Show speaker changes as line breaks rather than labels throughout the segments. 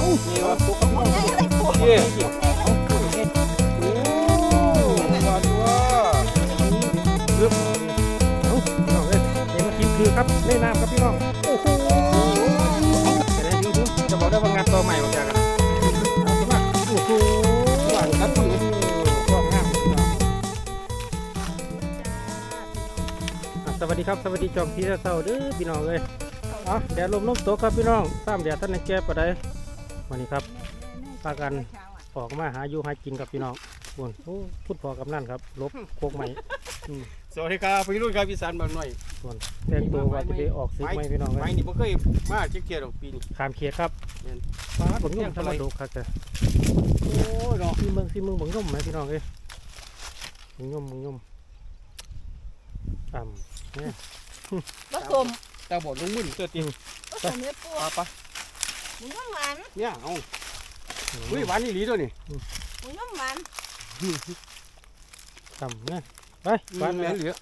นี่วะตุ๊กพี่น้อง
ใหญ่เลยปู
เย่เอาพูดเองโอ้ว่าตัวเริ่ม
เอาพี่น้องเลยเดี๋ยวมากินคือครับเล่นน้ำครับพี่น้องโอ้โหจะได้ดูจะบอกได้ว่างานตัวใหม่ของจากกันเอาขึ้นมาโอ้โหหวานครับพี่ชอบงามพี่น้องสวัสดีครับสวัสดีจอมพี่เศร้าเด้อพี่น้องเลยแดดลมตกครับพี่น้องตามแดดท่านในแก้ปะไดวันนี้ครับพากันออกมาหาอยู่หากินกับพี่น้องบนพูดพอกับนั่นครับลบโคกใหม่
สวัสดีครับพี่รุ่นครับพี่สันบางหน่อย
ส่วนแต่งตัวว่าจะไปออกซื้อไหมพี่น้อง
ไม่นี่ผมเคยมาเช็คเกียร์ดอกปีนี้
ขามเขียดครับผมยุ่งทำมาดูครับแต่
โอ้ยเนาะ
ที่เมืองผมยุ่งไหมพี่น้องเอ้ยมึงยุ่งเนี่ย
ผสม
ตาบอดลงมือเตือนตี
ผสมเนื้อปู
ปะ
หมูน้ำมัน
เนี่ยเอาเฮ้ยหวานนี่หลีตัวนี่
หมูน้ำมัน
เนี่ยไป
หวานเหลือเหลือ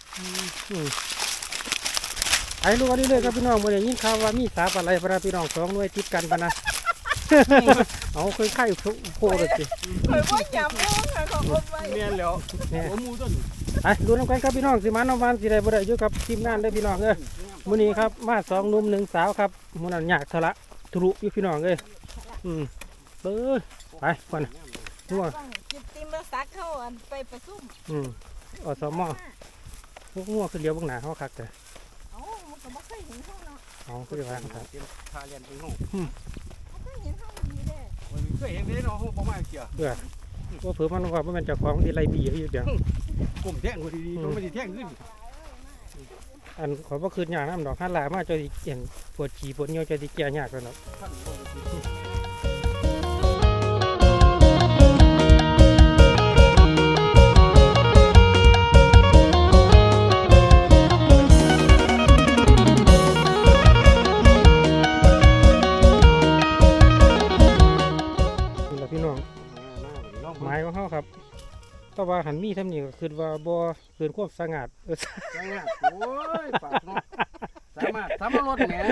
ไอ้ลูกอันนี้เลยครับพี่น้องเมื่อไหร่ยินข่าวว่ามีสาปอะไรพระพี่น้องสองหน่วยติดกันปะนะเอาเคยไข่โคเลยสิ
เคยว่าหยาบปูเคยของคนไว้
เมียนแล้วหัวมูต้น
ไอ้ดูน้ำกันครับพี่น้องสิมันน้ำมันสิได้บ่ได้อยู่กับทีมงานได้พี่น้องเอ้ยมื้อนี้ครับมาสองหนุ่มหนึ่งสาวครับมื้อนั้นยากทะละทะลุอยู่พี่น้องเอ้ยเบ้อไปก่อนนัว
จิบติมแล้วซักเข้าอันไปประซุ่ม
อสมพวกงัวคือเลี้ยวพวกหนาเขาคักแต่
เอ้ามันก็ไม่เคยเห็นเขาเนาะ
เอาคือจะว่าครับ
พาเรียนไปห้อง
ไม่เคยเห็นเขาดีเด้
เคยเห็นได้เนาะห้องประมาณเกียร์
ว่าเผื่อมันว่ามันจะของที่ไรบีอยู่เดียว
กลุ่มแท่งพอดีๆต้องไม่ได้แท่งขึ้น
อันขอว่าคืนยากน้ำดอกฮันลามาจะเห็นปวดฉี่ปวดเงี้ยวจะติแก่ยากแล้วเนาะพี่น้องไม้ของเขาครับก็ว่าหันมีทำนี่ก็คือว่าบ่เกินควบสงัด
สามารถโอ้ยปากเนาะสามารถรถแหม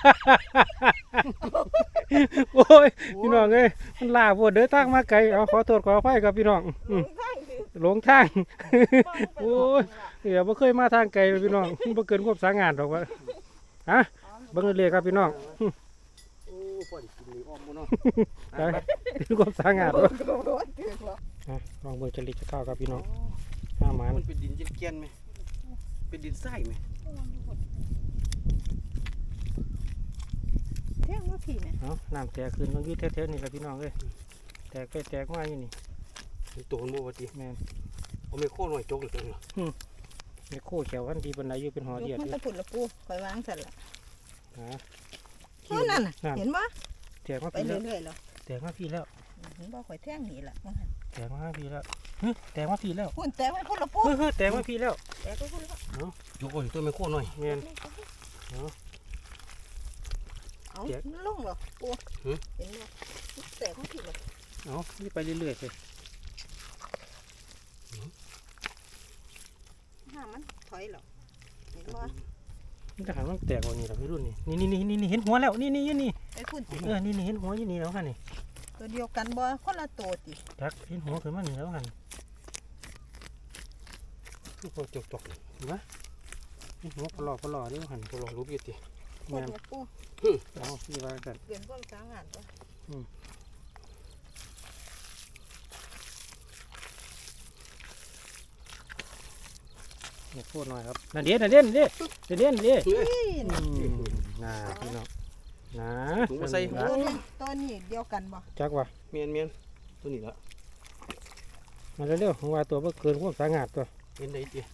โอ้ยพี่น้องเอ้ยมันลาปวดเดินทางมาไกลเอาขอโทษขออภัยครับพี่น้องหลงทางโอ้ยเดี๋ยวบ่เคยมาทางไกลพี่น้องบ่เกินควบสงัดหรอกว่าฮะเบิ่งเลยครับพี่น้อง
โอ้ปล่อยกินนี่อ้อมบ่เนาะ
ไปถึงความสางาดวะลองเบิ่งจริตจะเข้าครับพี่น้องห้าหมัน
มันเป็นดินเจียนๆไหมเป็นดินทรายไหม
เที่ยงว่าผีเนี่ย
เอาน้ำแตกขึ้นมันยืดแถวๆนี่แหละพี่น้องเอ้ยแตกไปแตกมาอยู่นี่
ตัวมันบ่ว่าติ
แม่น
เอาไม่โค่นหน่อยจกเลยตัวนี้
ในโคเขียววันดีบนไหนอยู่เป็นหอเดียด
มัน
อยู่
จะผุดละปูคอยวางเสร็จละ
นะ
เท่านั้นเห็นปะ
แตกมา
ไป
พี่แล้ว
เรื่อยๆแล้ว
แตกมาพี่แล้ว
เห็นบ่ข่อยแท่งหนีละ
แตกมาพี่แล้วแตกมาพี่แล้ว
หุ่นแต่ไม่พุ่นละปู
แตกมาพี่แล้ว
แต่ก็พุ่นละ
จกโอ้ยตัวไม่โค่นหน่อย
แม่น
เอาลงเหรอปูเห็นบ่แต่ก็ผิดเลย
เอานี่ไปเรื่อยๆเลย
ห้ามันถอยเหรอเห็นบ่
มันจะหันมันแตกกว่านี้แล้วพี่รุ่นนี่เห็นหัวแล้วนี่
ไอ้พุ่นสิ
นี่เห็นหัวอยู่นี่แล้วฮะนี่
ตัวเดียวกันบ่คนละตัวติ
จักเห็นหัวขึ้นมานี่แล้วฮะ
ทุกคนจก
เห็นไหมนี่หัวปลอนี่หัน
ตัวลองรูปอยู่ติ
พุ่นละปู
เอาพี่ว่ากัน
เปลี่ยนความสางานบ่
เนี่ยโคตรหน่อยครับนั่นเด่นน่าพี่น้องนะ
ถุงมาใส่
ตัวนี้เดียวกันบ่
จักว่า
เมียนตัวนี้ละ
มาเร็วๆว่าตัวเกินความสางาดตัว
เป็นไดติ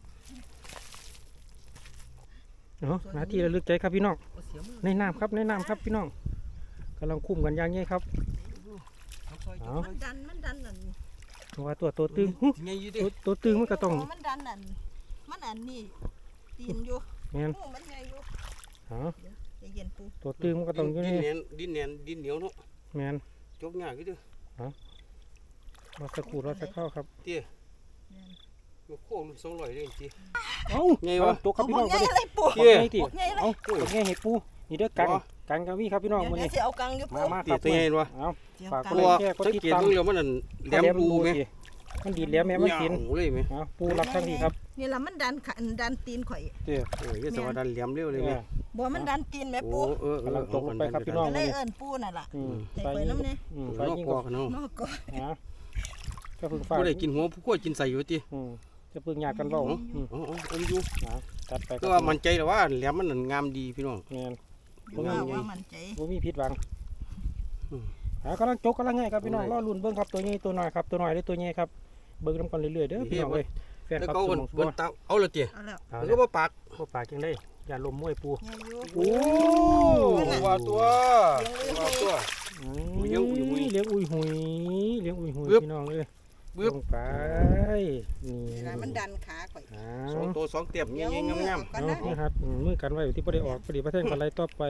เนาะหน้าที่ระลึกใจครับพี่น้องในน้ำครับพี่น้องกำลังคุ้มกันอย่างนี้ครับเอา
มันดันนั่น
ว่าตัวตึง
ไงอยู่ดิ
ตัวตึงมันก็ต้อง
มันดันนั่นมันอันนี้ตีนอยู่
แม่น
มันไงอยู่
เอา
ใจเย็นปู
ตัวตึงมันก็ต้องอยู่นี่
ดินเหนียวเนาะ
แม่น
จกยากอยู่ดิ
รอสักครู่รอสักเข้าครับ
เตี้ยโค้ง200เลยติ
เอ้า
ไงวะ
ตัวครับพี่น้อง
ไงอะไรปู
ไงติ
ไงอะไร
เอ้าไงเห็ดปูนี่เด้อกังกันก็มีครับพี่น้อง
เดี๋ยว
มื้อ
เดี๋ย
นี้
วสิเอากังอยู่
มา
ปู
มาค
ตี
รับ
ตัวใหญ่วะ
เอา
เดี๋ยว
ฝาก
กั
ก
ง
ดไล
ตัว
ค์แชร์กด
สัง
ติด
เกต
ตาม
เบิ่งแล้วมันนั่นแหลมปูไหม
สิมันดีดแหลมแม่มันกิน
โอ้เลยไหม
เอาปูรับทั้งทีครับ
นี่ล่ะมันดันตีนข่อย
เด้อ
โอ้ยสวัสดิ์แหลมเร็วเลยไหม
บ่มันดันตีนแม่
โอ้
ปู
กำลังตกลงไปครับพี่น้อง
ก็เลยเอิ้นปูนั่นล่ะ
อืม
ใส่ไปน้ำเนี่ย
ไฟ
นอก
ยิง
ก
ก็
อกเนาะ
นอกก็
อ่ะก็เพิ่งฟ้า
ผู้ใดกินหัวผู้ขั้วกินใส่อยู่ติ
จะเพิ่งยากกันเว้า
อ๋ออมอยู่
จัดไป
ก็ว่ามันใจแต่ว่าแหลมมันงามดีพี่น้อง
แม่น
ว่ามันใจ
บ่มีผิดหวังกำลังจกกำลังง่ายครับพี่น้องรอลุ้นเบิ่งครับตัวใหญ่ตัวน้อยครับตัวน้อยหรือตัวใหญ่ครับเบิ่งนำกันเรื่อยๆเด้อพี่น้องเอ้ยแฟน
แล้ว
ครับ
ก็
ส
บน
มอง
บนเตาเอาละเตี๋ย
เอาแล้ว
เอา
มัน
แล้
ก็
ว
บ่ปาก
บ่ปากจังได้อย่าลมมวยปู
ใหญ่อยู่
โอ้
ว่าตัวว่าตัว เลี้ยงอุ้ยหุย
เลี้ยงอุ้ยหุยเลี้ยงอุ้ยหุย
บึ๊บ
พี่น้องเอ้ย
บึ๊บ
ลงไปนี่
เวลามันดันขาข่อย
อ้า
สอง
ว
ตัวสองเตียบเงี้ยงาม
กัน
เอา
นะ
นี่ครับมือกันไว้อยู่ที่ประเดี๋ยวออกประเดี๋ยวประเทศกันไรต่อไป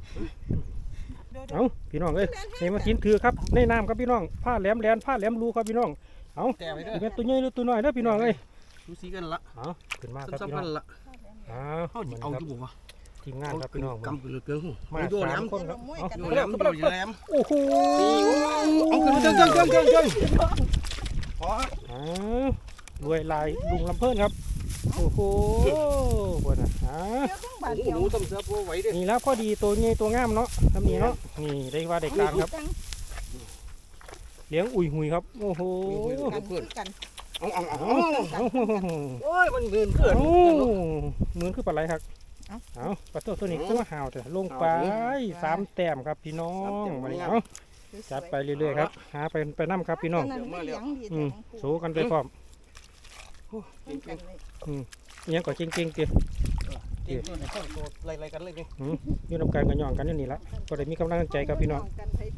เอาพี่น้องเอ้ยนี่มากินถือครับในน้ำครับพี่น้องผ้าแหลมแลนผ้าแหลมรูครับพี่น้องเอา
แต่ไปเด้
สิ
อ
เป็นตัวใหญ่หรือตัวน้อยเด้อพี่น้องเอ้ย
ดูสีกันละ
เอาขึ้นมาครับ
ซ้ำ
พี่
ๆ
น้
กั
อน ง
ละ
เอา
เฮาสิเอาอยู่บ่วะ
ทีมงานครับพี่น้อง
กำเหลือเกินหู
มา
โดนแหล
สาม
ม
คนครับเอา
โดนแหลมโดนแหลม
โอ้โห
เอาขึ้นเจังพอ
อ้าวรวยลายลุงลำเพิ่นครับโอ้โหบนอ่ะอ้า
เดี๋ยวต้องบาด
โอ้
เดียว
โหต้มเสือปูไหวเด้
นี่แล้วพอดีตัวใหญ่ตัวงามเนาะทำนี้เนาะนี่ได้ว่าได้การครับเลี้ยงอุ้ยหุยครับโอ้โห
กันคือกัน
เอา
เอา
โอ้ยมันเงินเกิน
เหมือนคือปลาไหลครับเอาปลาตัวนี้ขึ้นมาห่าวแต่ลงไป3 แต้มครับพี่น้องมาเลยเอาจัดไปเรื่อยๆครับหาไปน้ำครับพี่น้องโชว์กันไปพร้อมยังก็เก่งๆเตี้ย
เก่งตัวไหนเข้าตัวไล่กันเลยนี่
อยู่นำกันกันย่องกันนี่ละก็ได้มีกำลังใจครับพี่น้อง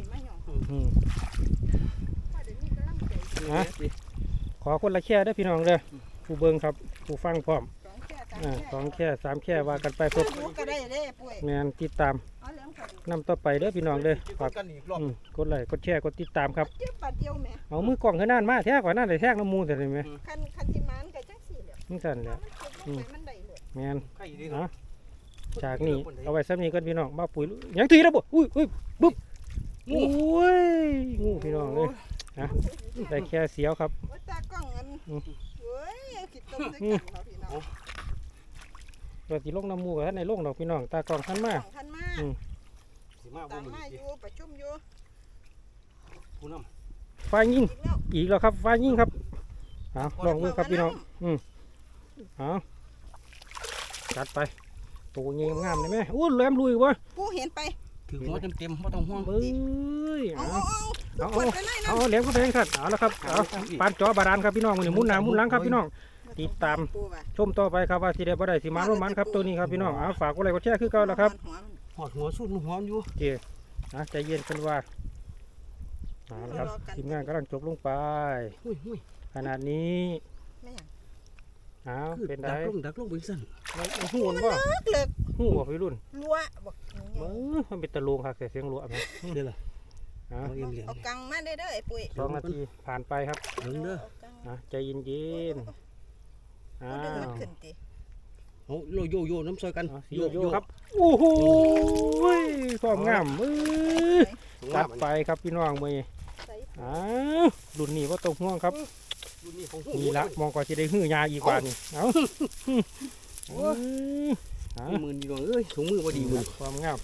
นะขอคนละแค่ได้พี่น้องเลยผู้เบิ้งครับผู้ฟังพร้อม2 แค่3 แค่ว่ากันไปเพื่อ
ก็ได้เด้ปุ้ย
แมนติดตามนำต่อไปเด้อพี่น้องเลยฝาก
กันอีกรอบ
กดไลค์กดแชร์กดติดตามครับ
เจ็บปาดเดียวแม่
เอามือกล่องขึ้นนั่นมาแท้กว่านั่นเลยแท้น้ำมูแต่เลยไหม
คันสิมานก็จังสี่แหละ
นี่สั่นแหละ
มันได้เลย
แมน
ใครดี
นะจากนี้เอาไว้ซ้ำนี้กันพี่น้องบ้าปุ๋ยยังทีแล้วบ่อุ้ยบึ๊บงูงูพี่น้องเลยนะได้แค่เสียวครับ
ว่าตากล้องอันเว้ยคิดต้มด้วยกันเราพี่น้อง
เราตีลงน้ำมูกับท่านในลงดอกพี่น้องตากล่องท่านมา
ท่านมา
สิมาบ่
ตาม
มึง
มาอยู่ประชุมอยู่
ผู้น
ไฟยิง
อีกแล้ว
อีกแล้วครับไฟยิงครับเอาลองมือครับพี่น้องเอาจัดไปตัวเงี้ยงามเลยไหมอู้แหลมลุยวะ
กูเห็นไป
ำถือหัวเต็มๆไม่ต้องห่วง
เบ้ย
เอา
เอา
เปิดไปเลยนะ
เอาเหลียงเขาแดงครับเอาแล้วครับเอาปานจอบาดาลครับพี่น้องมันหมุนหน้าหมุนหลังครับพี่น้องติดตามชมต่อไปครับว่าสิได้บ่ได้สิมาร่วมมันครับตัวนี้ครับพี่น้องเอาฝากกดไลค์กดแชร์คือเก่าแล้วครับ
หอดหัวสุดหัวอยู่
โอเคใจเย็นกันว่าเอาละครับทีมงานกำลังจบลงไป
หุ้ย
ขนาดนี้
ไม่อยาก
เอาเป็นได
ดักลงไปสั่น
หูนบ่
เลิก
หูบ่พี่รุ่น
รัวบอก
มันเป็นตะลงครับแต่เสียงรัวไหม
เดี๋ยวล่ะ
เอา
เอาเอ็มเหลียง
เอากังมาได้เด้อไอ้ปุ้ย
2 นาทีผ่านไปครับ
เด้อ
ใจเย็นๆ
เอาดึงมันขึ้นติ
เอาโยน้ำซอยกัน
โยครับโอ้โหความงามจัดไปครับพี่น้องมือรุ่นนี้ว่าตกห่วงครับนี่ละมองก่อนจะได้หื้อยาอีกว่านี่เอา
มือดีดวงเอ้ยถุงมือพอดีมือ
ความงาม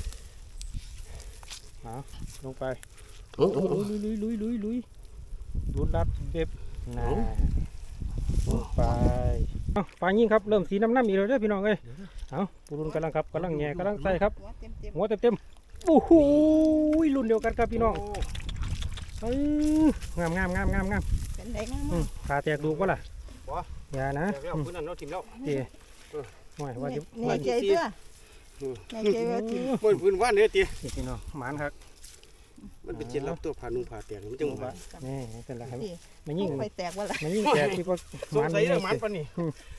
ลงไป
โอ้
ลุยรุ่นรัดเบ็บนะลงไปปลายิงครับเริ่มสีน้ำอีกแล้วเด้อพี่น้องเอ้ยเอาปูรุ่นกำลังครับกำลังแง่กำลังใส่ครับ หัวเต็มโอ้โหรุ่นเดียวกันครับพี่น้องงาม
เป็นไดงาม
ขาแตกดูก็ล่ะอย่านะ
แล้วพื้นนั้นเราถิ่มแล้ว
เตี๋ยห่วยว่าจะ
ในใจเด้อในใจว่าที
พื้นว่านเนี่ยตี
พี่น้องหมานครับ
มันเป็นเจ็ดรับตัวผ่านุ่งผ่าแตกมันจังหวะ
นี่เป็นไรครับไม่ยิ่ง
ไฟแตกว่าล่ะ
ไม่ยิ่งแตกที่พวก
สงสัยเรื่องมันปะนี่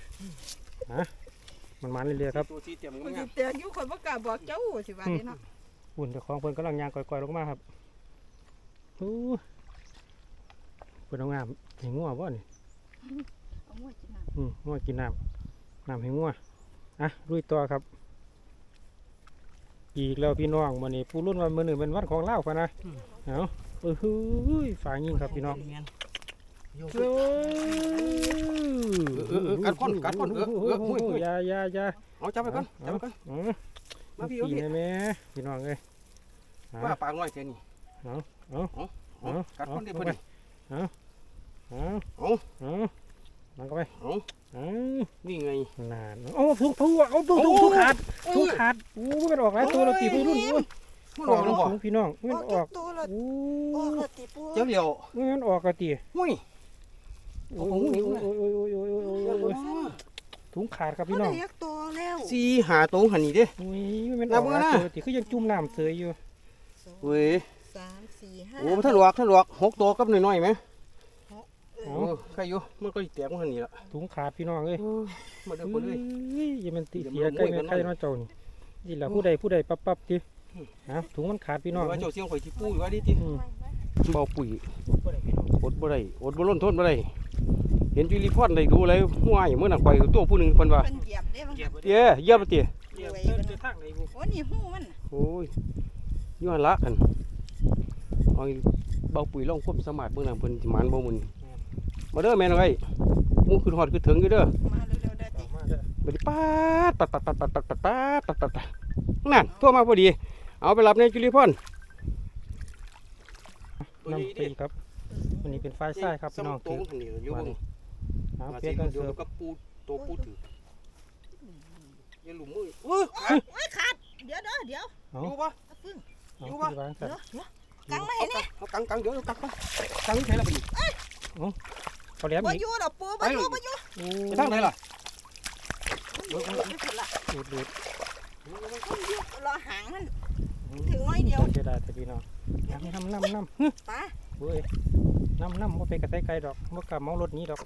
มันมันเรื่อยๆครับ
ตัวที่เตรียม
มัน
งา
สิ
ม
แตกอยู่คนบ่กล้าบอกเจ้าสิว่าเด้เนาะ
อุ่นเจ้าของเพิ่นกำลังยางก่อยๆลงมาครับเพิ่นเอางามให้งัวบ่นี่
เอาหัวจิน่ะ
งัวกินน้ำให้งัวลุยต่อครับอีกแล้วพี่น้องมื้อนี้ผู้รุ่นวันมื้อนี้เป็นวันของลาวพะนะเอาฝางยิงครับพี่น้อง
กัดคนหุ้ย
อย่า
เอาจับไปก่อนมาพี่
พี่แม่พี่น้องเอ้ย
ว่าปากน้อยแค่นี้กัดคนได้เพิ่น
มันก็ไป
นี่ไง
นานทุกขาดมันออกหลายตัวแล้วตีผู้รุ่น
มันออกแล้วบ่
พี่น้องมันออก
เจ้าเดียว
มันออกกะตี
หุ้ย
โอ้ยถุงขาดครับพี่น้อง
สี่หาตรงหันนี่เด้
อุ้ยมันออกหลายตัวตีคือยังจุ่มน้ำเสยอยู่
เว้ย
3 4 5
โอ้ท่านหลวก6ตัวกับน้อยๆไหมใครอยู่มันก็แตกมันหันนี่ละ
ถุงขาดพี่น้องเอ้ย
มาเด้อคนเลย
อย่ามันตีเสียใกล้แม่ใกล้น้องเจ้านี่แหละผู้ใดปั๊บดิถุงมันขาดพี่น้อง
ว่าเจ้าเสียงข่อยที่ปุ้ยว่าดิติเบาปุ๋ยอดบ่ได้อดบ่ล้นทนบ่ได้เห็นจุลิพรได้ดูเลยห่วยเมื่อน่ะข่อยตัวผู้นึงเพิ่นว่า
มันเหยียบได้มั้ง
เตี้ยเหยียบเตี้ย
ทางไหนบุ
โอ้นี่หูมัน
โอ้ยย้อนละกันเอาเบาปุ๋ยลองควบสมาร์ทเบิ่งนำเพิ่นสิหมานบ่มื้อนี้มาเด้อแม่นเอ้ยมูขึ้นฮอดคือถึงอยู่เด้อ
มาเร็วๆได้ติ
บัดนี้ปัดนั่นโทรมาพอดีเอาไปรับในจุลิพร
น้ำตีครับวันนี้เป็นไฟไส้ครับพี่น้อง
ตรงหันนี่อยู่เบิ่ง
เพียกัน
เดี๋
เสื
ยว
อ
กับปูตัวปูถืออย่าหลุมมือ
โอ้ยขาดเดี๋ยว
อยู่ปะ
ฟึ่ง
อยู่วางสัตว์
กังมาให้นี่
เอากังเดี๋ยวกังปะกังใช่ละพี่
เขาแหลม
บ่
อีก
อยู่ดอกปูบ่อยู่
ไปทางไหนล่ะ
ดูด
รอหางมันถึงน้อยเดียว
เสียดายแต่พี่น้องน้ำ
ป้า
เว้ยน้ำว่าไปกระไตไกลดอกว่ากลับมองรถนี้ดอก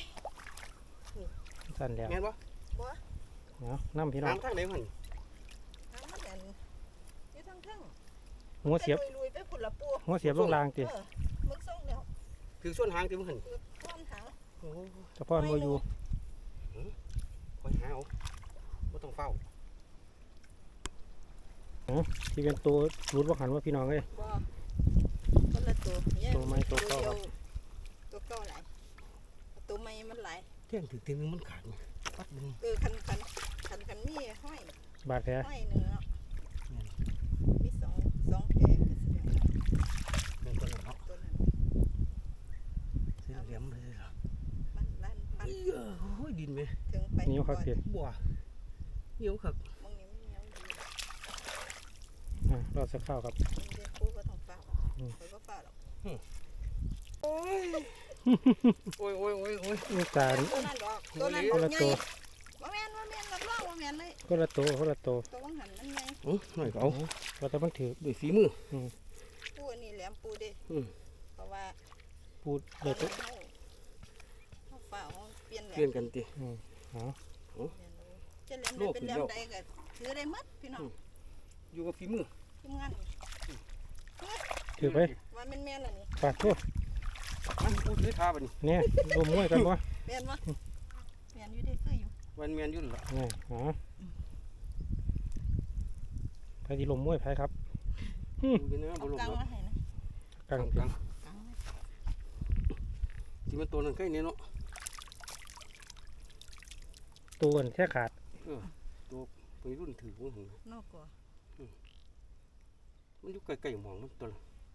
สั่นแล้ว
แม่นปะ
น้ำพี่น้อง
ทางไหนมัน
หางมันอยู่ทางทึ่ง
หัวเสียบ
ลุยไปพุ่นละปู
หัวเสียบลงรางติ
มึกส่งแล้ว
ถือส่วนหางที่มัน
ต้นหาง
โอ้
เฉพาะมัวอยู่
คอยหาเอาไม่ต้องเฝ้า
ที่เป็นตัวรูดว่าหันว่าพี่น้องเอ้ย
บ่คนละตัว
ตัวไม้ตัวเก่าครับ
ตัวเก่าหลายตัวใหม่มันหลาย
เที่ยงถึงตีนึงมันขาดปัดนึง
คันมีห้อย
บาดแผล
ห้อยเนื้อมีสองแผล
เป็นตัวนั้นเนาะ
ตัวนั้น
เสียเหลี่ยมเลยเหรอ
มันลั่นพัน
โอ้ยดินไหม
ถึงไป
นิ้วครับเก
บัวเหนียวครับ
มองนี้มันเหนียวดี
รอสักข้าวครับ
เรียนครูก็ต้องเฝ้าคอยก็เฝ้าหรอก
โอ้ย
นี่จาน
ตัวนั้นดอกตัวนั้น
คนละตัว
ว่าแม่นรับรองว่าแม่นเลย
คนละตัว
ตัววังหันมันไง
หน่อยเขา
เราจะมันถือ
ด้วยฝีมือ
ปูอันนี้แหลมปูเด้เพราะว่า
พูดเด็ด
เขาเฝ้าเปลี่ยนแหล
เปลี่ยน
ม
กันติ
จะแหลมใดเป็นแหลมใดก็ถือได้หมดพี่น้อง
อยู่กับฝีมือ
ทำงาน
ถือไป
ว่าแม่นล่ะนี่
ปาดทั่ว
มันพูดด้วยท่าบัดนี้
เนี่ยรวมมวยกันวะ
แม่นบ่แม่นอยู่ได้คืออยู่
วันแมนยุ่นละ
นี่ใครที่ลมมวยไผครับ
ดูดินะบ
เอา
ลม
กังมาให้นะ
กัง
กัง
กัง
ที่มันตัวนั้นใกล้เนี่ยเนาะ
ตัวแค่ขาด
ตัวไปรุ่นถือมัน
นอกกว่า
มันอยู่ใกล้ๆหมองมันตัวละ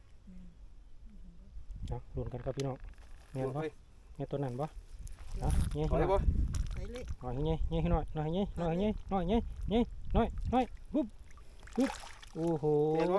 รวมกันครับพี่น้องเงี้ย
ไป
เนี่ยตัวนั้นปะเงี้ย
ไปบ่
ไปเลย
หน่อยเงี้ยให้หน่อยเงี้ยปุ๊บโอ้โห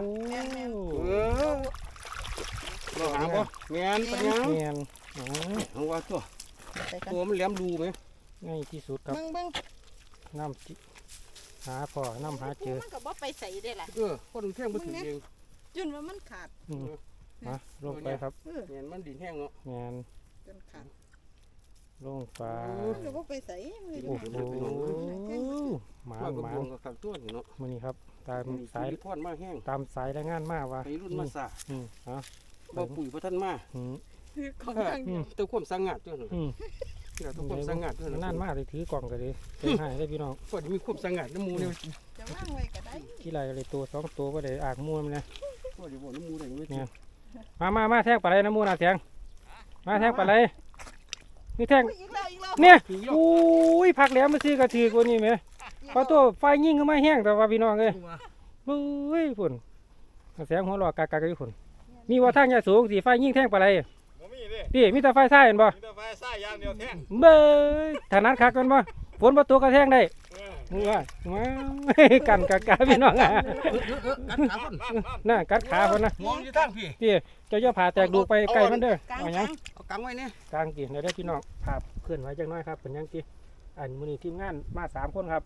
เราหาบ่แมนปัญญา
เงี้ย
เอาว่าตัว
ไปกัน
ตัวมันแหลมรูไหม
ง่ายที่สุดครับ
เบิ่ง
น้ำหาพ่อน้ำหาเจอ
มันก็บ่ไปใส่ได้ล่ะ
คนแท่งมันถึงเอง
จนว่ามันขาด
ลงไปครับ
แมนมันดินแห้งเนาะ
งาน
จนขาด
ลงไป
มันก็บ่ไปใส่
โอ้โหหมา
กับวงกับขังตัวนี่เนาะ
มันนี่ครับตามสาย
พอดมาแห้ง
ตามสายรายงานมาว่า
ไปรุ่นมาสา
บ่
บ่ปุ๋ยพระท่านมา
ของทาง
เต้าความสังงัดด้วยหนูเต้าความสังงัดด้วย
นั่นมากเลยถือกล่องกันเลยเต็มหายได้พี่น้อง
พอดีมีความสังงัดน้ำมูเนี่ย
จะว่างไว้ก็ได้
ที่ไรเลยตัวสองตัวก็ได้อากมูมันนะ
ก็เดี๋ยวบอกน้ำมูได้ยังไม่
เนี่ยมาแทงปลาไหลน้ำมูน่ะเสียงมาแทงปลาไหลนี่แทง
อีกแล้ว
เนี่ยอุ้ยผักแหลมมาซื้อกระถือกว่านี่ไหมพอตัวไฟยิ่งก็ไม่แห้งแต่ว่าพี่น้องเลยเฮ้ยฝุ่นเสียงหัวหลอกกากอยู่ฝุ่นมีว่าทางใหญ่สูงสีไฟยิ่งแทงปลาไหล
บ่มีเด้
พี่มีแต่ไฟใส่เห็นบ่
มีแต่ไฟซ้ายอย่างเดียวแท่ง
เบ้ยถนัดคักกันบ่ฝนบ่ตกกระแทงได้
เออ
มึงว่ามากันกากาพี่น้องอ่ะ
กัดขาคน
น่ะกัดขาคนนะ
มองอยู่ทางพี่
พี่เจ้าอย่าผ่าแตกดูไปไกลมันเด้อก
ลาง
เอาห
ก
ยั
ลาง ง
เอากังไว้เนี่ย
กลางกี่เดี๋ยวได้พี่น้องภาพเคลื่อนไหวจังน้อยครับเป็นยังกี่อันมื้อนี้ทีมงานมา3คนครับ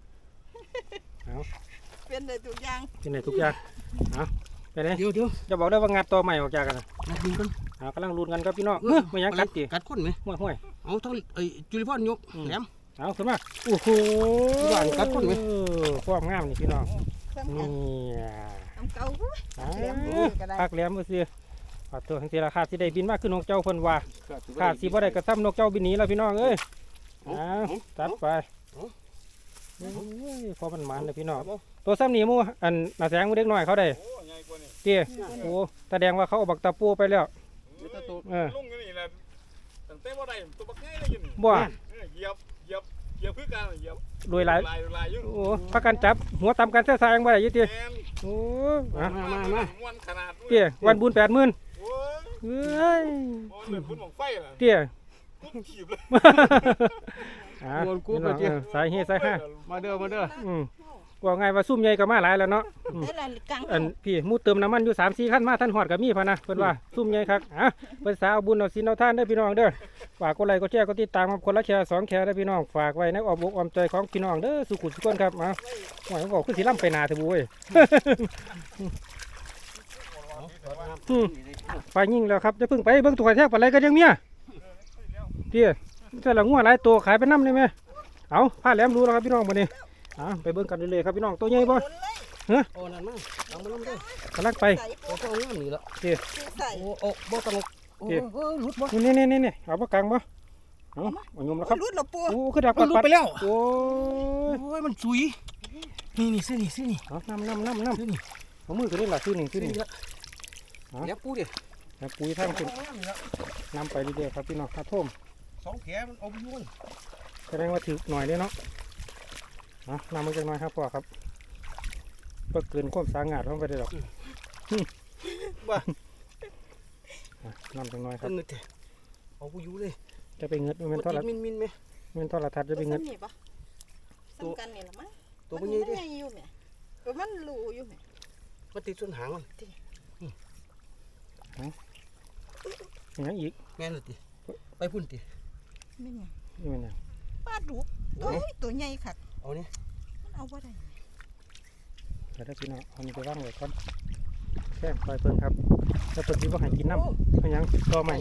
เป็นได้ทุกอย่าง
ที่ไหนทุกอย่างเอาไปไหน
เดี๋ยว
จะบอกได้ว่างัดตัวใหม่ออกจากกันนะ
นัดยิงกัน
กำลังลุ้นกันครับพี่น้องไม่ยังกัดกี่
กัดคนไหม
ห้วย
เอาทั้งไอ้จุลิพรยกแหลม
เอาขึ้นมาโอ้โห
บ้านกัดคนไหม
ความงามนี่พี่น้อง
เครื่อง
นี่
น้ำเก่าหุ้ย
อ่า
แหลมมือก็ได้
พักแหลมมือซื้อขอตัวทั้งทีราคาที่ได้บินมากขึ้นนกเจ้าเพิ่นว่าขาดสิบ่ได้กระซ้ำนกเจ้าบินหนีแล้วพี่น้องเอ้ยตัดไปพอมันมันเลยพี่น้องตัวซ้ำหนีมูอันน่าแสงมูเด็กน้อยเขาได้
โอ้ใหญ่กว่านี่
เตี้ยโอ้แสดงว่าเขาเอาบักตะปูไปแล้ว
ลุงอยู่นี่แหละตั้งแต่บ่ได้ตัวบักใหญ่เลยอยู่นี่
บ่
เหยียบคือกันเหยียบ
รวยหลาย
ลายอยู่
โอ้พักกันจับหัวตำกันแท้ๆยังบ่ได้อยี่เตี้ย
แม่น
โอ้
มา
ม่วนขนาด
เตี้ยวันบุญ80,000
โอ้ย
เอ้ย
โอ้ยเหมือนพุ่นหม่องไฟล่ะ
เตี้ย
พุ่นถีบเลย
สายเฮสายห้า
มาเด้อ
ว่าไงว่าซุ่มใหญ่ก็มาหลายแล้วเนาะ
ได้ละกลาง
อันพี่มูเติมน้ำมันอยู่3-4คันมาท่านหอดกับมีพะนะเพิ่นว่าซุ่มใหญ่คักเพิ่นสาเอาบุญเอาศีลเอาทานเด้อพี่น้องเด้อฝากกดไลค์กดแชร์กดติดตามครับคนละแชร์2แชร์เด้อพี่น้องฝากไว้ในอ้อมอกอ้อมใจของพี่น้องเด้อสุขุมสุขคนครับมาหวยบอกคือสิล่ำไปนาเถอะบุ้ยไปยิ่งแล้วครับจะพึ่งไปเบิ่งตัวแทกปลาไหลก็ยังเมียเตี้ยแต่ละงัวหลายตัวขายไปน้ำได้ไหมเอาผ้าแหลมรู้แล้วครับพี่น้องมื้อนี้ไปเบิ่งกันเลยๆครับพี่น้องตัวใหญ่บ่
โอ้นั่นมาเอามาลงเด้อก
ำลังไป
ใส่
โอ้ก็เอางามนี่ละ
ใส่
โอ้บ่ต้องโอ้หลุดบ่
นี่เอาปากกลางบ่เอายมแล้วครับ
รุดหรอปู
โอ้คือดัก
มันหลุดไปแล้ว
โอ้ย
โอ้ยมันสุยนี่ซื้อนี่
เอาน้ำเอามือตัวนี้ล่ะซื้อนี่
แล้วปูดิ
แล้วปุ๋ยทางขึ้นน้ำไปเรื่อยๆครับพี่น้องครับท่ม
สองแผลมันเอาไปยุ่ง
แสดงว่าถือหน่อยเลยเนาะน้ำมันจะน้อยครับพ่อครับเพื่อเกินความสางาดลงไปได้หรอก
บ้า
น้ำจังน้อยครับ
เงินเอาไปยุ่งเลย
จะไปเงิดมันทอดละ
มินไหม
มันทอดละทัดจะไปเงิด
นี่ปะสำคัญนี่ละมั้ง
ตัวมันใหญ่ดิ
มันอยู่แม่ตัวมันรูอยู่แม่
มันติดส่วนหางมัน
อย่างอีก
แม่นเลยติไปพุ่นติ
ไม่ไง
นี่มันอย่าง
ปลาดุกตัวใหญ่ค่ะ
เอาเนี่ย
มันเอาบ่ได้
แต่ถ้าพี่น้องเอานี่ไปว่างไว้ก่อนแค่ปล่อยเพิ่นครับแล้วเพิ่นที่ว่าให้กินน้ำไม่ยังต่อใหม่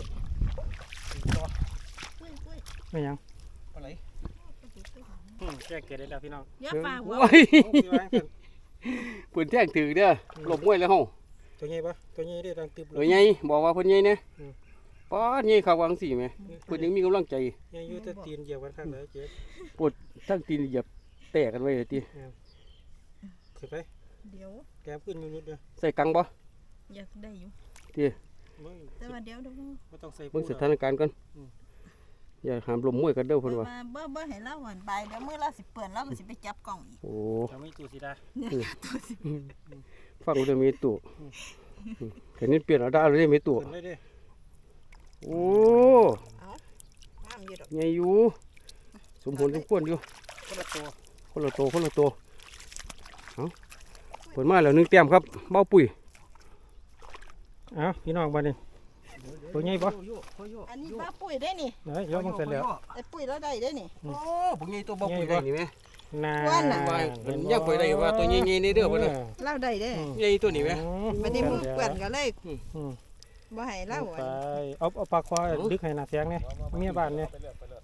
กุ้ย
ไม่ยัง
อะไร
แก้เกล็ดได้แล้วพี่น้อง
อย่าปลาหัว
โอ้ยปืนแท่งถือเด้อหลบมวยแล้วเฮา
ตัวใหญ่ปะตัวใหญ่ได้ดังตึบ
เอ้ยไงบอกว่าเพิ่นใหญ่เนี่ยป้าใหญ่เขาวางสิแม่เพิ่นยังมีกำลังใจ
ใหญ่อยู่แต่ตีนเหยียบกันข้างไหนเจ๊
ทั้งตีนเหยียบแตกกันไว้เลยติ
ขึ้นไป
เดี๋ยว
แกมขึ้นนิดเดียว
ใส่กังบ่
อยากได้อยู่
ไม่
แต่ว่าเดี๋ยว
ไม่ต้องใส่
เบิ่งสถานการณ์ก่อนอย่าหามลมมวยกันเด้อเพิ่นว่า
เบ่ให้เราหวานใบเดี๋ยวมื้อละสิเปื่อนแล้วมันสิไปจับกล่องอีก
โอ้
จะไม่ตูสีดา
ฟังเรื่องมีตู้เห็นนี่เปลี่ยนเอาได้เลยมีตู้
ขึ้นเลยดิ
โอ้
งามอยู่ดอก
ใหญ่อยู่สมผลสมควรอยู่
คนละตัว
คนละตัวเอาผลมาแล้ว1แต้มครับเบ้าปุ๋ย
พี่น้องบ้านนี้ตัวใหญ่ปะ
อันนี้ปลาปุ้ยได้นี่
ไหนยกมันเสร็จแล้ว
ไอ้ปุ้ยเราได้ได้นี่
โอ้ปุ๋ยใหญ่ตัวเบ้าปุ๋ยได้นี่แม่
น่า
ว่าน่ะ
ว่าเพิ่นยังไปได้ว่าตัวใหญ่ๆนี่เด้อเพิ่นน่ะ
เราได้ได้
ใหญ่ตัวนี้แม่
บัดนี้มึงเปื่อนก็เลย
อืม
บ่ให้เรา
ไปเอาปลาควายดึกให้หน้าเสียงเนี่ยเมียบ้านเนี่ย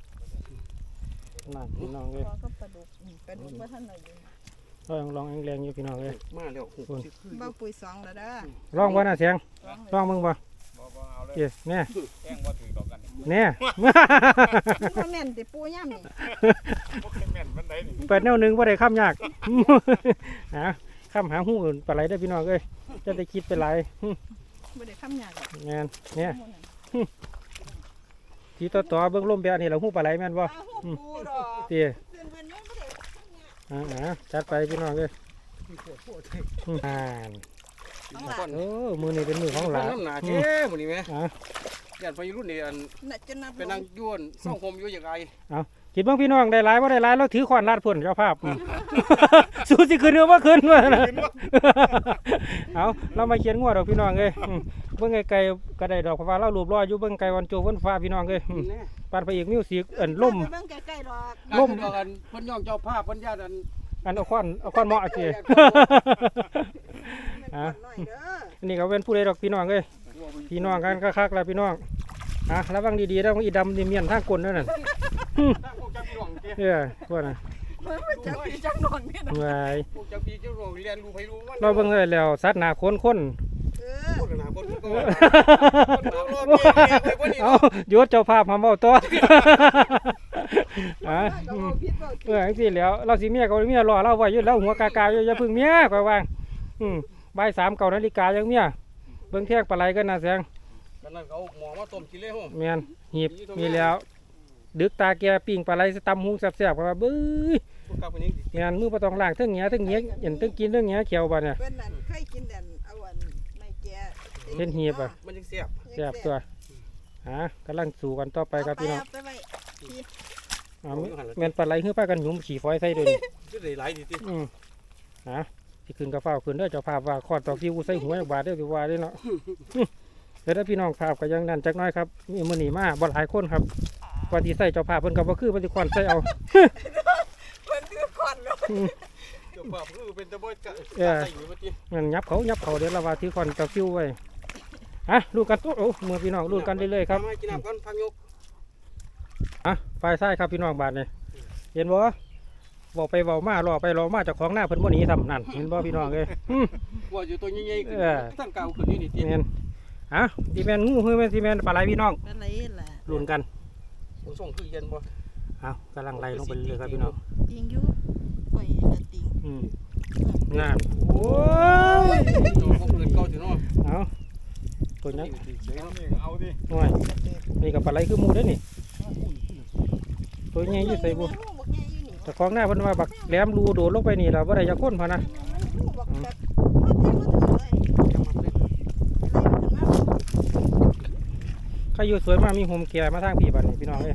นั่นพี่น้องเลย
พอก็ปลาดุกบ่ทันได้อยู่
ลองแรงๆอยู่พี่น้องเลย
มาแล้ว
เบ้าปุ้ย2แล้วเด้อ
ลองบ่หน้าเสียงลองมึงบ่
บ่เอาเลย
เกี่ยเนี่ย
แท่งบ่ถือดอกกันนี่
เนี่ย
มันบ่แม่นติปูย่ำนี่
บ่เคยแม่นมันได้นี่
เปิดแนวหนึงบ่ได้ข้ามยาก ข้ามหาหูอื่นปลาไหลได้อพี่น้องเอ้ยจะได้คิดไปหลาย
บ่ได้คำหยาบหรอก
งานเนี่ยทีต่อเบิ่งลมแบบนี้เราหูปลาไหลแม่นบ่
อ้าวปูดอก
เตี้ย
เพิ่นยังบ่ได้คำหยาบ
จัดไปพี่น้องเอ้ยอ่าน
เอาล่ะ
โอ้มือนี่เป็นมือของหลาน
น้ำหนาเจ้มื้อนี้แม่
อ่ะ
ญาติไปรุ่นนี่อัน
น่ะจะนับ
ไปนั่งย้วนเศร้าคมอยู่อย่างไร
คิดบ้างพี่น้องได้หลายบ่ได้หลายเราถือขวานลาดพ่นเจ้าภาพ สู้สิขึ้นหรือว่าขึ้นวะนะ เอาเรามาเขียนงวดดอกพี่น้องเอ้ยเบิ่งไกลๆก็ได้ดอกเพราะว่าเรารูปรออยู่เบิ่งไกลวันโจวันฟ้าพี่น้องเอ้ยปานพระเอกมิวสิกล่ม
เบิ่งใกล้ๆดอก
ล่ม
ดอกกันเพิ่นย่องเจ้าภาพเพิ่นญาติอัน
อันเอาควันเหมาะสิ
แม่นก่อนหน่อยเด้อ
อันนี้ก็เป็นผู้ใดดอกพี่น้องเอ้ยพี่น้องกันคักๆแล้วพี่น้องระวังดีๆแล้วอีดำนี่เมียนทางก้นนั่นน่ะ
ถ้าพวกจักพี่น้องเจ้
พวกน่ะ
มันจักพี่จักนอนแม่น
วาย
พวกจักพี่เจ้าน้องเรียนรู้ไผรู้มัน
เราเบิ่งได้แล้วสัตว์หน้าคน
เออ
พูดกันหาคนก็
เอาหยุดเจ้าภาพมาเว้าต่อ
ก็บ่ผิดบ่ถูก
จังซี่แหล้วเราสิเมียก็เมียรอเราไว้อยู่แล้วหัวกากาอยู่อย่าพึ่งเมียก็วางบ่าย3 9 นาฬิกายังเมียเบิ่งแท่งปลาไหลกันน่ะแสง
กันนั่นเขาหมอมาต้มกินเลยโห
แม่นหีบมีแล้วดึกตาแกปิ้งปลาไหลตำหุงแซ่บๆก็ว่าบื้อ
พวกกลับไปนี่
แม่นมือบ่ต้องล้างเทั้งเหงียเทั้งเหงียเห็นเทั้งกินเทั้งเหงียเขียวบ่เนี่ย
เพิ่นนั่นเคยกินแต่เอาอันไม่แก่
เห็นหีบอ่ะ
มันยังเสียบ
แซ่บตัวกำลังสู่กันต่อไปครับพี่น้อง
เอาไปไว้
แม่นปลาไหลคือพากันหยุมขี้ฝอยใส่ด้วยนี่
จะได้หลายดีติ
สิขึ้นกับฟ้าวขึ้นเด้อเจ้าภาพว่าขอดตอกที่กูใส่หัวจักบาทเด้อสิว่าเด้อเนาะ เดี๋ยวถ้าพี่น้องภาพก็ยังนั่นจักหน้อยครับมีมื้อนี้มาบ่หลายคนครับว่าที่ใส่เจ้าภาพเพิ่นก็บ่คือเพิ่นสิควันใส่เอา
เพิ่นคือควันเนาะ
เจ้าภาพคือเป็นตะบ่กะใส่อยู่เมื่อกี้
งั้นยับเขาเดี๋ยวเราว่าถือควันตะฟิวไว้ดูกันตัวมือพี่น้องดูกันเรื่อยๆครับ
มากินน้ำกันพักยก
ฝ่ายซ้ายครับพี่น้องบาดนี่เห็นบ่เว้าไปเว้ามารอไปรอมาเจ้าของหน้าเพิ่นบ่หนีทำนั่นเห็นบ่พี่น้องเอ้ย
ว่าอยู่ตัวใหญ่ๆขึ้นตั้งเก่าขึ้นนี่นี่ติ
แม่นสิแม่นงูคือแม่นสิแม่นปลาไหลพี่น้อง
อะไรล่ะ
ลุ้นกัน
ส่งคือเย็นบ่
กำลังไล่ลงไปเรื่อยๆครับพี่น้อง
ติงอยู่ปล่อยละติง
งานโอ้ย
ตัวพวกอื่นเก่าสิเนาะ
ตัวนี้
นี่เอาดิ
หน่อยนี่กับปลาไหลคือหมูเด้อนี่ตัวใหญ่อยู่ใส่บุแต่ของหน้าเพิ่นว่าบักแหลมรูโดดลงไปนี่ล่ะบ่ได้จะค้นพอนะใครอยู่สวยมากมีโฮมแก่มาทางพี่บัดนี้พี่น้องเอ้ย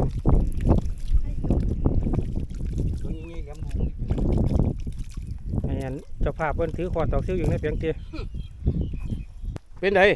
ตัวใหญ่ๆแหลมบุ้ง
ให้เห็นเจ้าภาพเพิ่นถือขวดตอกซิ่วอยู่ในเพียงเตีย
เป็นได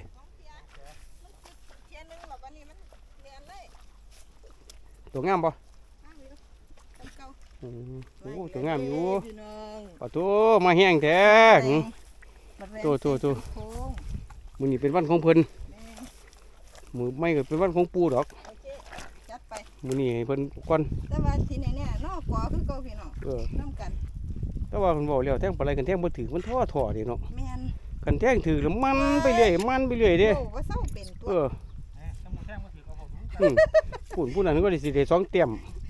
ตัวงามป่ะโอ้ตัวงามอยู่ปะตัวมาแห้งแท้ตัวมือนี่เป็นวันของเพิ่นมือไม่ก็เป็นวันของปูดอกมือนี่ให้เพิ่นก่อน
แต่ว่าที่นี่เนี่ยนอกกอคือเก่าพี่น้องน้ำกัน
แต่ว่าเพิ่นบอกแล้วแท่งปลาไหลกันแท่งบ่ถือมันท่อเด้เนาะ
แม่น
กันแท่งถือแล้วมันไปเรื่อยเด้
ว่าเศร้าเป็นตัว
ผู้นั้นก็ได้สิได้2เต็ม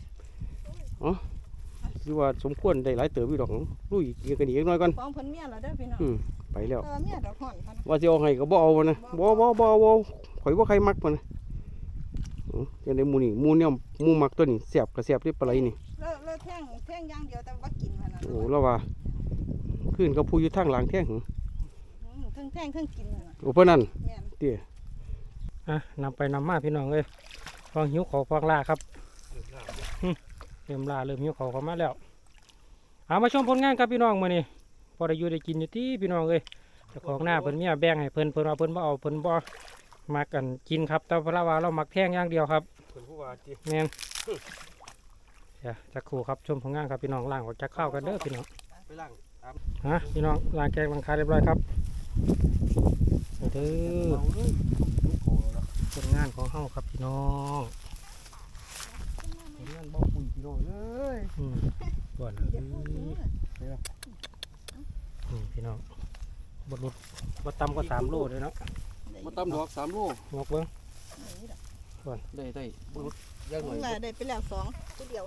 คือว่าสมควรได้หลายเติบอยู่ดอกลุยกันอีกน้อยก่อน
ฟ้องเพิ่นเมียแล้วเด้อพี่น้อง
ไปแล้ว
แต่ว่าเมียดอกห่อนพัน
ว่าสิเอาให้ก็บ่เอานะบ่ข่อยบ่ใครมักมันนะจังได๋หมู่นี่หมู่แนวหมู่มักตัวนี้แซ่บก็แซ่บเด้ปลาไหลนี่
เลิกแท่งอย่างเดียวแต่ว่ากินมันน่ะ
โอ้แล้วว่าขึ้นกับผู้อยู่ทางหลังแท้หึ
ทั้งแท่งทั้งกินน่ะ
โอ้เพิ่นนั่น
แม่น
เตี้ย
นำไปนำมาพี่น้องเอ้ยฟองหิวเขาฟองล่าครับเริ่มล่าเริ่มหิวเขาเข้ามาแล้วมาชมผลงานครับพี่น้องมื้อนี้พอได้อยู่ได้กินอยู่ที่พี่น้องเอ้ยเจ้าของหน้าเพิ่นเมียแบ่งให้เพิ่นว่าเพิ่นบ่เอาเพิ่นบ่มักกันกินครับแต่เพราะว่าเรามักแท่งอย่างเดียวครับ
เพิ่นผู้ว่าติ
แม่นจักครู่ครับชมผลงานครับพี่น้องล้างออกจากข้าวกันเด้อพี่น้อง
ไปล้าง
พี่น้องล้างแกงล้างคาเรียบร้อยครับเด้อผลงานของเฮาครับพี่น้อง
งานบ่ปุ๋ยพี่น้องเอ้ย
ก่อนพี่น้องบดรุดบดตำก็3 โลเลยเนาะ
มาตำดอก3โล
งอกเบิ้งก่อน
ได้บุรุษย่างหน่อย
ว่าได้ไปแล้ว2ตัวเดียว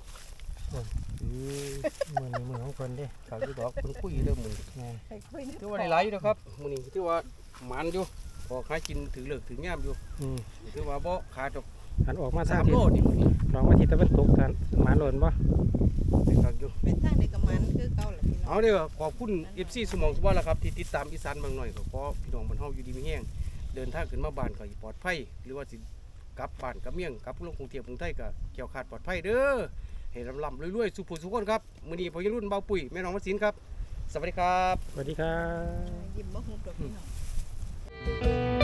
มือของคนเด้
ขาวที่ดอกคนคุยเริ่มมือ
แม่
ไปคุย
ถือว่าได้หลายอยู่นะครับมื้อนี้ถือว่าหมันอยู่ออกหากินถึงเลิกถึงยามอยู่
อืม
ถือว่าบ่ขาดดอก
หันออกมาทาง
3 โลนี่มื้อนี้
ลองมาที่ตะวันตกกันหมาหล่นบ่
ได้คักอยู่
เป็นทางเด็กกับมันคือเก่าแหละพี่น้อง
เอาเด้อขอบคุณ FC สมองสุวรรณล่ะครับที่ติดตามอีสานบางหน่อยก็ขอพี่น้องบ้านเฮาอยู่ดีมีแฮงเดินทางขึ้นมาบ้านก็ปลอดภัยหรือว่าสิกลับบ้านกลับเมียงกลับลงกรุงเทพกรุงไทยก็เกี่ยวขาดปลอดภัยเด้อให้ลำๆรวยๆสุขผู้สุขคนครับมื้อนี้พ่อรุ่นเบาปุ๋ยแม่น้องวสินครับสวัสดีครับ
สวัสดีครับ
ยิ้มบ่ฮู้ดอกพี่น้อง